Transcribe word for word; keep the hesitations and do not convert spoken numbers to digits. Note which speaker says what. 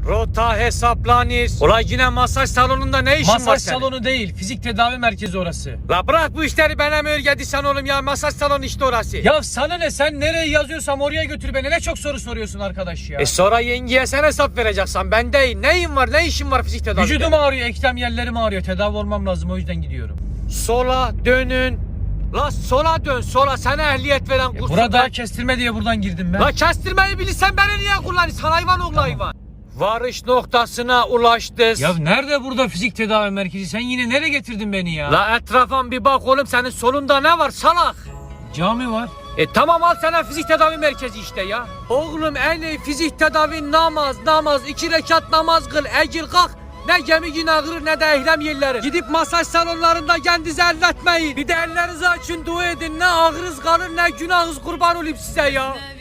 Speaker 1: Rota hesaplanır. Olay yine masaj salonunda ne işin var senin?
Speaker 2: Masaj salonu değil, fizik tedavi merkezi orası.
Speaker 1: La bırak bu işleri, bana mı öğreteceksin oğlum ya? Masaj salonu işte orası.
Speaker 2: Ya sana ne, sen nereye yazıyorsam oraya götür beni. Ne çok soru soruyorsun arkadaş ya.
Speaker 1: E sonra yengeye sen hesap vereceksin, ben değil. Neyin var, ne işin var fizik tedavide?
Speaker 2: Vücudum ağrıyor, eklem yerlerim ağrıyor. Tedavi olmam lazım, o yüzden gidiyorum.
Speaker 1: Sola dönün. La sola dön, sola, sana ehliyet veren
Speaker 2: Ya
Speaker 1: kursu
Speaker 2: burada
Speaker 1: ben.
Speaker 2: kestirme diye buradan girdim ben.
Speaker 1: La kestirmeyi bilirsen beni niye kullanırsın hayvan oğlu
Speaker 2: Tamam.
Speaker 1: hayvan. Varış noktasına ulaştık.
Speaker 2: Ya nerede burada fizik tedavi merkezi? Sen yine nereye getirdin beni ya?
Speaker 1: La etrafa bir bak oğlum, senin solunda ne var salak?
Speaker 2: Cami var.
Speaker 1: E tamam, al sana fizik tedavi merkezi işte ya. Oğlum en iyi fizik tedavi namaz, namaz, iki rekat namaz kıl, egil kalk. Ne gemi günahır ne de ehlem yerleri. Gidip masaj salonlarında kendinizi elletmeyin. Bir de ellerinizi açın, dua edin. Ne ağrınız kalır ne günahınız, kurban olayım size ya.